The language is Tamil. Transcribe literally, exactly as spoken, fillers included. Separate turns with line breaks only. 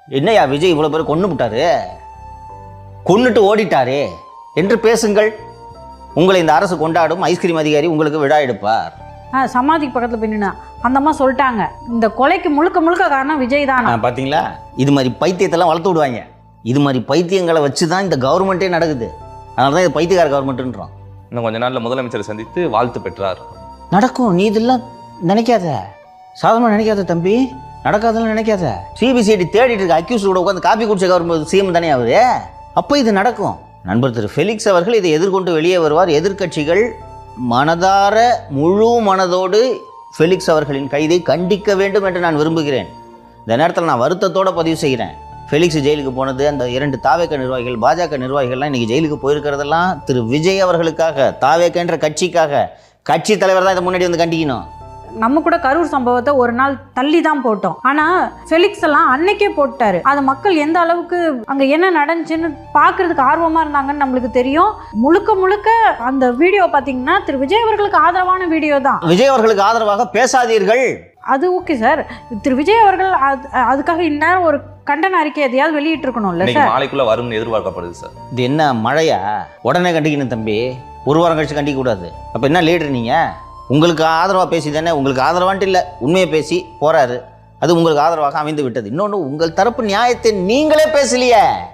என்னையா விஜய் இவ்வளோ பேர் கொண்டு விட்டாரு, கொன்னுட்டு ஓடிட்டாரே என்று பேசுங்கள். உங்களை இந்த அரசு கொண்டாடும், ஐஸ்கிரீம் அதிகாரி உங்களுக்கு விழா எடுப்பார்.
ஆ சமாதிக்கு பக்கத்தில் போய் நின்னா அந்த அம்மா சொல்லிட்டாங்க, இந்த கொலைக்கு முழுக்க முழுக்க காரணம் விஜய் தான்.
பார்த்தீங்களா, இது மாதிரி பைத்தியத்தெல்லாம் வளர்த்து விடுவாங்க. இது மாதிரி பைத்தியங்களை வச்சு தான் இந்த கவர்மெண்ட்டே நடக்குது. அதனால தான் இது பைத்தியக்கார கவர்மெண்ட்டுன்றோம்.
இன்னும் கொஞ்ச நாளில் முதலமைச்சரை சந்தித்து வாழ்த்து பெற்றார்.
நடக்கும், நீ இதெல்லாம் நினைக்காத, சாதாரணமாக நினைக்காத தம்பி, நடக்காதெல்லாம் நினைக்காத. சிபிசிஐடி தேடிட்டு இருக்க அக்யூஸ்டோட உட்காந்து காப்பி குடிச்ச கவர்மெண்ட் சிஎம் தானே அவரு. அப்போ இது நடக்கும். நண்பர் திரு ஃபெலிக்ஸ் அவர்கள் இதை எதிர்கொண்டு வெளியே வருவார். எதிர்க்கட்சிகள் மனதார முழு மனதோடு ஃபெலிக்ஸ் அவர்களின் கைதை கண்டிக்க வேண்டும் என்று நான் விரும்புகிறேன். இந்த நேரத்தில் நான் வருத்தத்தோடு பதிவு செய்கிறேன். ஃபெலிக்ஸ் ஜெயிலுக்கு போனது, அந்த இரண்டு தாவேக நிர்வாகிகள், பாஜக நிர்வாகிகள்லாம் இன்றைக்கி ஜெயிலுக்கு போயிருக்கிறதெல்லாம் திரு விஜய் அவர்களுக்காக, தாவேகன்ற கட்சிக்காக. கட்சி தலைவர் தான் இதை முன்னாடி வந்து கண்டிக்கணும்.
நம்ம கூட கரூர் சம்பவத்தை ஒரு நாள் தள்ளி தான் போட்டோம். ஆனால் ஃபெலிக்ஸ் எல்லாம் அன்னைக்கே போட்டாரு. அது மக்கள் எந்த அளவுக்கு அங்கே என்ன நடந்துச்சுன்னு பார்க்கறதுக்கு ஆர்வமாக இருந்தாங்கன்னு நம்மளுக்கு தெரியும். முழுக்க முழுக்க அந்த வீடியோ பார்த்தீங்கன்னா திரு விஜய் அவர்களுக்கு ஆதரவான வீடியோ தான்.
விஜய் அவர்களுக்கு ஆதரவாக பேசாதீர்கள்.
அது ஓகே சார். திரு விஜய் அவர்கள் அதுக்காக இந்நேரம் ஒரு கண்டன அறிக்கை எதையாவது வெளியிட்டு இருக்கணும்ல சார்.
நாளைக்குள்ள வரும்னு எதிர்பார்க்கப்படுது சார்.
இது என்ன மழையா? உடனே கண்டிக்கணும் தம்பி, ஒரு வாரம் கழிச்சு கண்டிக்க கூடாது. அப்போ என்ன லீடர் நீங்கள்? உங்களுக்கு ஆதரவாக பேசி தானே, உங்களுக்கு ஆதரவான்ட்டு இல்லை, உண்மையை பேசி போகிறாரு. அது உங்களுக்கு ஆதரவாக அமைந்து விட்டது. இன்னொன்று, உங்கள் தரப்பு நியாயத்தை நீங்களே பேசலையே.